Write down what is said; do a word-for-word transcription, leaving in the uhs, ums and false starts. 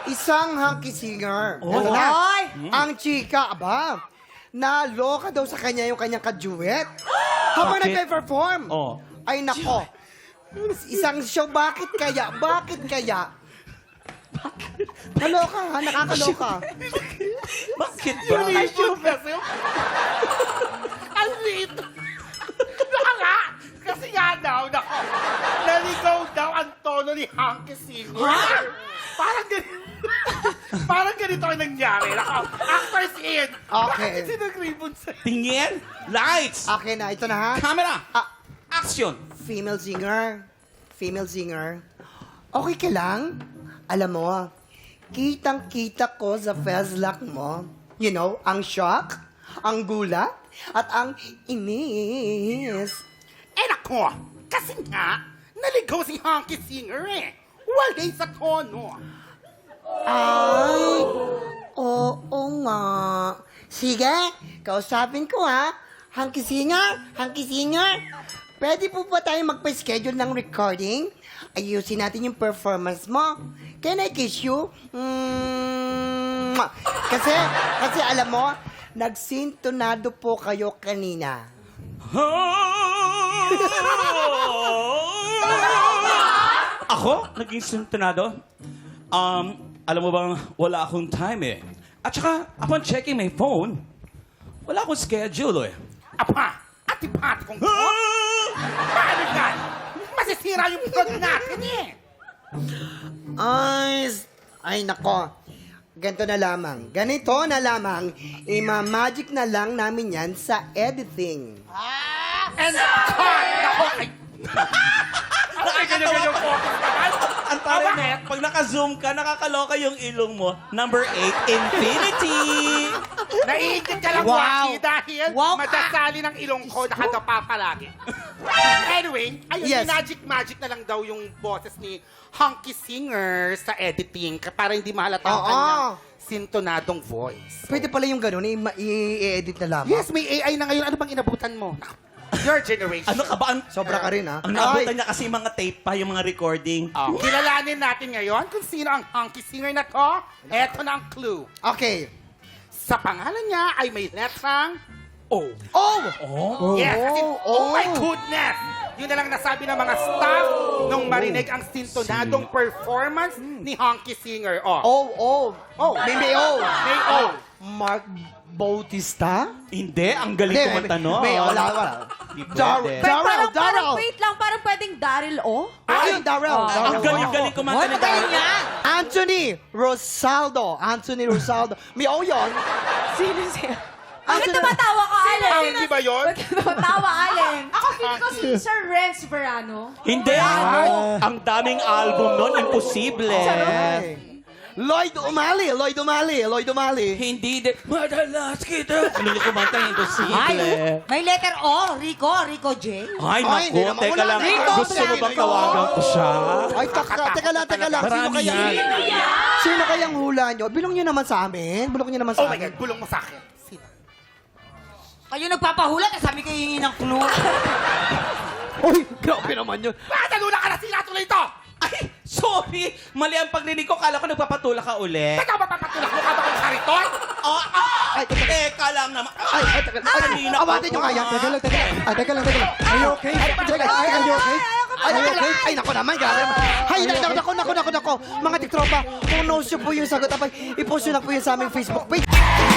Isang hunky singer. Oh. Ito na. Oy! Ang chika, aba, naloka daw sa kanya yung kanyang kaduet. Habang Bakit? nagpe-perform. Oh. Ay, nako. Isang show, bakit kaya? Bakit kaya? Kaloka ha, nakakaloka. Bakit ba? Ay, kasi ang liit. Baka nga, kasi nga daw, nako, naligaw daw ang tono ni Hanky Singer. Parang ganito. Parang ganito ang nangyari. Nako, actors in. Okay. Bakit sinag-ribbon sa'yo? Tingin, lights, Okay na, ito na ha. camera, Ah, action. female singer. Female singer. Okay ka lang? Alam mo, kitang-kita ko sa fezlak mo. You know, ang shock, ang gulat, at ang inis. Eh nako, kasi nga, naligaw si Hanky Singer eh. Walay sa tono. Ay, oo nga. Sige, kausapin ko ha. Hanky singer, hanky singer. Pwede po ba tayo magpa-schedule ng recording? Ayusin natin yung performance mo. Can I kiss you? Mm, kasi, kasi alam mo, nagsintonado po kayo kanina. Ako? Naging sintonado? Um, alam mo bang wala akong time eh. At saka, upon checking my phone, wala akong schedule eh. Apa, atipat kong to. Paano yan? Masisira yung vlog natin eh. Ay, s- ay nako. Ganito na lamang. Ganito na lamang. Ima-magic na lang namin yan sa editing. And cut! Nako, ay... Ay, ganyan-ganyan po. Ang tari net, pag naka-zoom ka, nakakaloka yung ilong mo. Number eight, infinity! Naiingit ka lang, Wow. Waki, dahil Wow ka. madasali ng ilong ko nakadapa palagi. Anyway, ayun, Yes. magic-magic na lang daw yung boses ni Hanky Singer sa editing ka- para hindi mahalata ang Oo. kanyang sintonadong voice. Pwede pala yung gano'n, i- i-edit na lamang. Yes, may A I na ngayon. Ano bang inabutan mo? Your generation. Ano ka ba? Ang, Sobra ka rin, ha? ang nabutan niya kasi mga tape pa, yung mga recording. Oh, kilalanin natin ngayon kung sino ang Hanky Singer na to. Eto na ang clue. Okay. Sa pangalan niya ay may letrang O. Oh! Oh. Yes, as in, Oh, oh, oh. my goodness! Yun na lang nasabi ng mga staff nung marinig ang sintonadong performance ni Hanky Singer. Oh, Oh, oh. Oh. May may oh. may O. Mark Bautista? Hindi, ang galing Hindi, kumanta no. May, wala, wala. Di pwede. Dar- Pero Darrell, parang, parang, Darrell. wait lang, parang pwedeng Daryl, oh? Ay, Darrell. Oh. Darrell. Ang galing-galing kumanta Hoy, ni magaling Darrell. yan! Anthony Rosaldo. Anthony Rosaldo. May oh yun. Sino siya? Bakit Anthony- tumatawa ka, Allen? Ah, hindi ba yun? Bakit tumatawa, Allen? Ako, feeling ko si Sir Renz Verano. Hindi, ano? Ang daming album nun, imposible. Ay. Lloyd Umali. Lloyd Umali. Lloyd Umali. Hindi de... Madalas kita. Ano yung kumanta, imposible. may letter O, Rico, Rico J. Ay, Ay, hindi naku, naman teka wala lang. na. Rico, Gusto mo bang Rico. tawagan ko siya? Ay, taka, teka lang, teka lang. Sino Marami kaya? yan. Sino kayang hula nyo? Bilong nyo naman sa amin. Bulong nyo naman sa Oh my amin. God, bulong mo sa akin. Sino? Kayo nagpapahula, sabi kayo hingi ng clue. Uy, grabe naman yun. Bakit nalula ka na sila tuloy ito? Ay, sorry. Mali ang pagrinig ko. Kala ko nagpapatula ka uli. Teka, mapapatulak mo ka ba kung kariton? Oh, ah! Ay, teka. Teka lang naman. Ay, ay, teka lang. Ay, kanina awatin pa nyo ba? kaya. Teka lang, teka lang. Ay, teka lang, teka lang. Are you okay? Teka, ay, are you okay? Ay, teka lang. Ay, nako naman, grabe naman. Ay, nako, nako, nako, nako, nako. Mga tiktropa, kung no show po yung sagot, abay, ipost nyo lang po yun sa aming Facebook page.